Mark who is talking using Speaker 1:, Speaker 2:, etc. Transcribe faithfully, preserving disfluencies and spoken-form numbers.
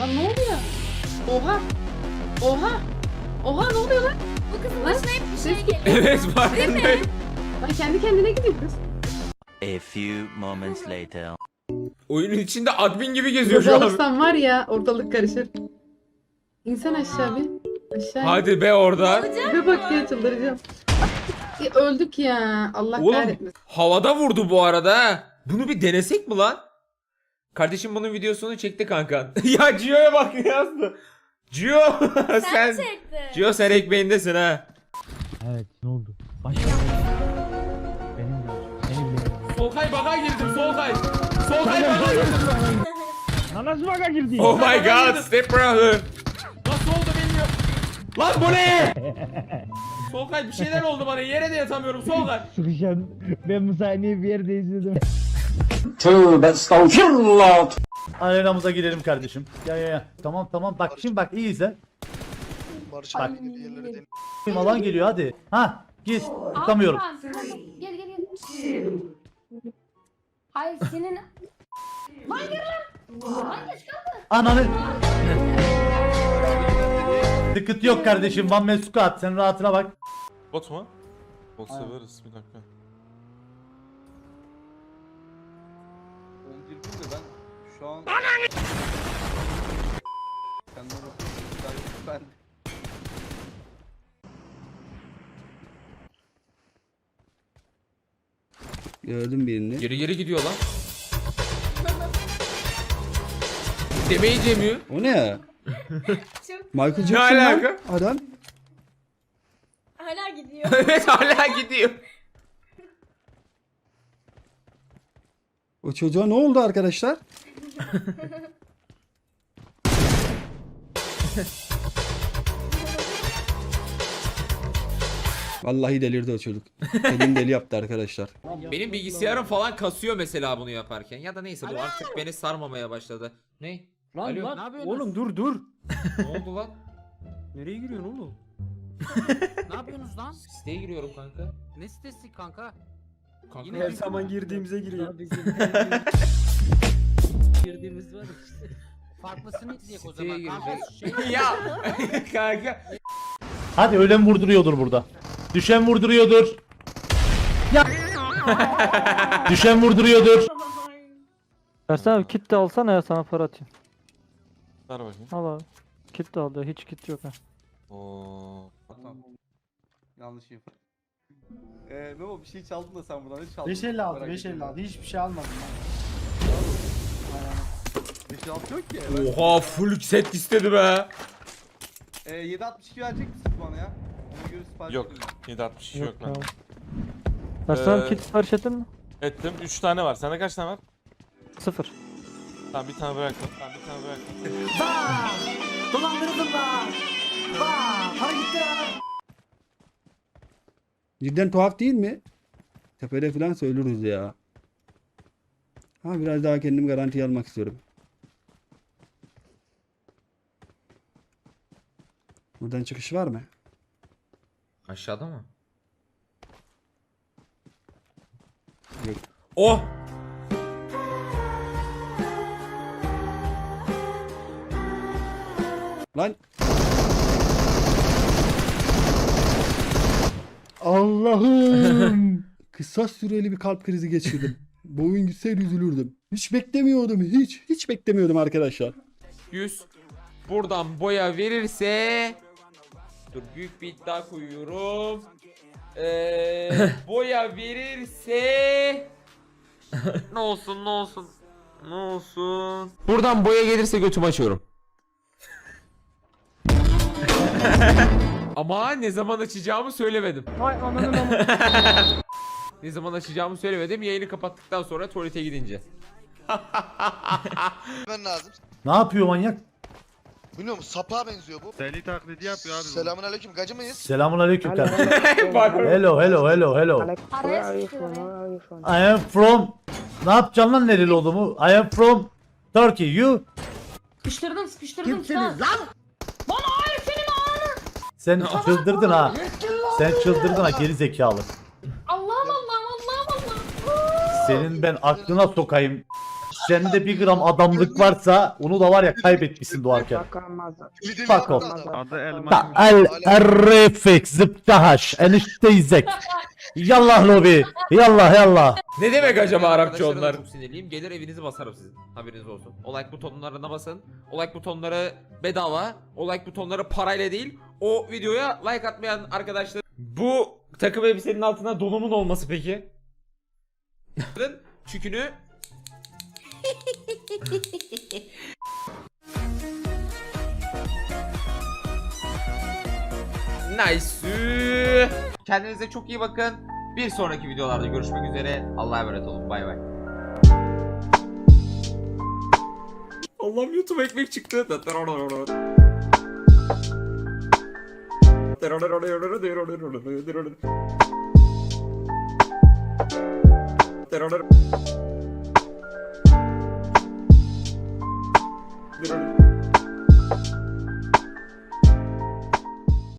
Speaker 1: Lan ne oluyor? Oha. Oha. Oha ne oluyor lan? Bu kızın başına hep bir şey geliyor.
Speaker 2: Evet farkındayım.
Speaker 1: Lan kendi kendine gidiyor kız.
Speaker 3: A few moments later.
Speaker 2: Oyunun içinde admin gibi geziyor şu an.
Speaker 1: Olursan var ya ortalık karışır. İnsan aşağı bir. Aşağı.
Speaker 2: Hadi be orada.
Speaker 1: Bir bak ya çıldıracağım. Ya öldük ya. Allah
Speaker 2: Oğlum
Speaker 1: kahretmesin.
Speaker 2: havada vurdu bu arada ha. Bunu bir denesek mi lan? Kardeşim bunun videosunu çekti kanka. Ya Gio'ya bak ne yazdı. Gio sen
Speaker 1: çektin.
Speaker 2: Gio sen ekmeğindesin ha.
Speaker 4: Evet ne oldu? Başka benim de. Benim de.
Speaker 2: Solkay baka girdim Solkay. Solkay baka girdim.
Speaker 4: Nasıl baka girdi?
Speaker 2: Oh my god step brother. Nasıl oldu bilmiyorum. Lan bu ne? Solkay bir şeyler oldu bana yere de yatamıyorum Solkay.
Speaker 4: Sıkışan. Ben bu sahneyi bir yerde izledim.
Speaker 3: Tövbe estağfurullah.
Speaker 4: Arenamıza girelim kardeşim. Ya ya ya. Tamam tamam bak şimdi bak iyi izle.
Speaker 5: Barış
Speaker 4: Bak.
Speaker 5: abi yerlere deniyor.
Speaker 4: Alan geliyor hadi. Ha git. Tutamıyorum.
Speaker 1: Gel gel gel. Hayır senin... Lan gir lan. Lan geç kaldı.
Speaker 4: Ananı. Sıkıntı yok kardeşim. One man squad. Sen rahatına bak.
Speaker 6: Bot mu? Bot severiz bir dakika.
Speaker 7: Ben girdim de ben şu an... Kendime bakıyorum. Ben... Gördüm birini.
Speaker 2: Geri geri gidiyor lan. Demeyi demiyor.
Speaker 7: O ne ya?
Speaker 1: Çok
Speaker 7: Michael
Speaker 2: Ne
Speaker 7: Jackson lan.
Speaker 2: alaka?
Speaker 7: Adam.
Speaker 1: hala gidiyor.
Speaker 2: Evet hala gidiyor.
Speaker 7: O çocuğa ne oldu arkadaşlar? Vallahi delirdi o çocuk. Elim deli yaptı arkadaşlar.
Speaker 2: Benim bilgisayarım falan kasıyor mesela bunu yaparken. Ya da neyse bu artık beni sarmamaya başladı. Ne?
Speaker 4: Lan
Speaker 2: Alo.
Speaker 4: lan oğlum dur dur.
Speaker 2: Ne oldu lan?
Speaker 4: Nereye giriyorsun oğlum?
Speaker 3: Ne yapıyorsunuz lan?
Speaker 2: Siteye giriyorum kanka.
Speaker 3: Ne sitesi kanka?
Speaker 2: Kanka
Speaker 3: Her zaman
Speaker 4: girdiğimize giriyor.
Speaker 3: girdiğimiz var işte. Farklısını izleyek o
Speaker 2: siteye
Speaker 3: zaman kanka.
Speaker 2: gireceğiz. Ya kanka.
Speaker 4: Hadi ölen vurduruyordur burada. Düşen vurduruyordur. Ya. Düşen vurduruyordur.
Speaker 8: Ersen abi kit de alsana ya sana para atayım.
Speaker 6: Ver bakayım.
Speaker 8: Al abi. Kit de al ya hiç kit yok ha.
Speaker 6: Oo.
Speaker 7: Yanlış yaptım. Eee Memo bir şey çaldın da sen buradan hiç çaldın.
Speaker 4: beş elli altı beş elli altı hiçbir şey almadım
Speaker 7: beş elli altı yok ki.
Speaker 2: Oha full set istedi be.
Speaker 7: Eee yedi altmış iki verecek misiniz bana ya? Ona göre sipariş
Speaker 6: Yok.
Speaker 7: vereyim.
Speaker 6: yedi altmış iki yok
Speaker 8: tamam.
Speaker 6: bende.
Speaker 8: Ersen abi
Speaker 6: Ee,
Speaker 8: kit sipariş ettin mi?
Speaker 6: Ettim. üç tane var. Sende kaç tane var?
Speaker 8: Sıfır.
Speaker 6: Tamam bir tane bıraktım. Tamam bir tane bıraktım.
Speaker 3: Dolandırıldım da. Bak para gitti ya.
Speaker 7: Cidden tuhaf değil mi? Tepede falan söylürüz ya. Ha biraz daha kendimi garantiye almak istiyorum. Buradan çıkış var mı?
Speaker 2: Aşağıda mı?
Speaker 7: Yok.
Speaker 2: Oh!
Speaker 7: Lan. Allah'ım. Kısa süreli bir kalp krizi geçirdim. Bu oyun gitseydi üzülürdüm. Hiç beklemiyordum. Hiç. Hiç beklemiyordum arkadaşlar.
Speaker 2: yüz. Buradan boya verirse... Dur büyük bir iddia koyuyorum. Ee, boya verirse... ne olsun ne olsun. Ne olsun. Buradan boya gelirse götümü açıyorum. Ama ne zaman açacağımı söylemedim.
Speaker 8: Vay ananın ama.
Speaker 2: Ne zaman açacağımı söylemedim. Yayını kapattıktan sonra tuvalete gidince.
Speaker 5: Ben lazım.
Speaker 4: Ne yapıyor manyak?
Speaker 5: Bilmiyorum sapığa benziyor bu.
Speaker 7: Deli taklidi yapıyor abi.
Speaker 5: Selamun aleyküm gacı mıyız?
Speaker 4: Selamun aleyküm kardeşim.
Speaker 2: Bak.
Speaker 4: Hello hello hello hello.
Speaker 1: Araya sıkıştırdı.
Speaker 4: I am from... Ne yapacaksın lan nereli olduğumu? I am from Turkey. You?
Speaker 1: Sıkıştırdım sıkıştırdım. Kimsiniz lan? Bana hayır senin ağanı.
Speaker 4: Sen çıldırdın ha. Sen çıldırdın ha geri zekalı.
Speaker 1: Allah'ım Allah'ım Allah'ım Allah'ım.
Speaker 4: Senin ben aklına sokayım. Sende bir gram adamlık varsa onu da var ya kaybetmişsin doğarken.
Speaker 5: Lideri
Speaker 4: Fuck
Speaker 5: yaptı
Speaker 4: off.
Speaker 5: adam.
Speaker 4: Ta el errefek zıptahaş enişteyzek. Yallah lobi. Yallah yallah.
Speaker 2: Ne demek acaba Arapça
Speaker 9: Arkadaşlara da
Speaker 2: onlar?
Speaker 9: Çok sinirliyim. Gelir evinizi basarım sizin. Haberiniz olsun. O like butonlarına basın. O like butonları bedava. O like butonları parayla değil. O videoya like atmayan arkadaşlar.
Speaker 2: Bu takım elbisenin altına donumun olması peki?
Speaker 9: Çükünü
Speaker 2: Nice.
Speaker 9: Kendinize çok iyi bakın. Bir sonraki videolarda görüşmek üzere. Allah'a emanet olun. Bay bay.
Speaker 2: Allah'ım YouTube ekmek çıktı.
Speaker 9: Terör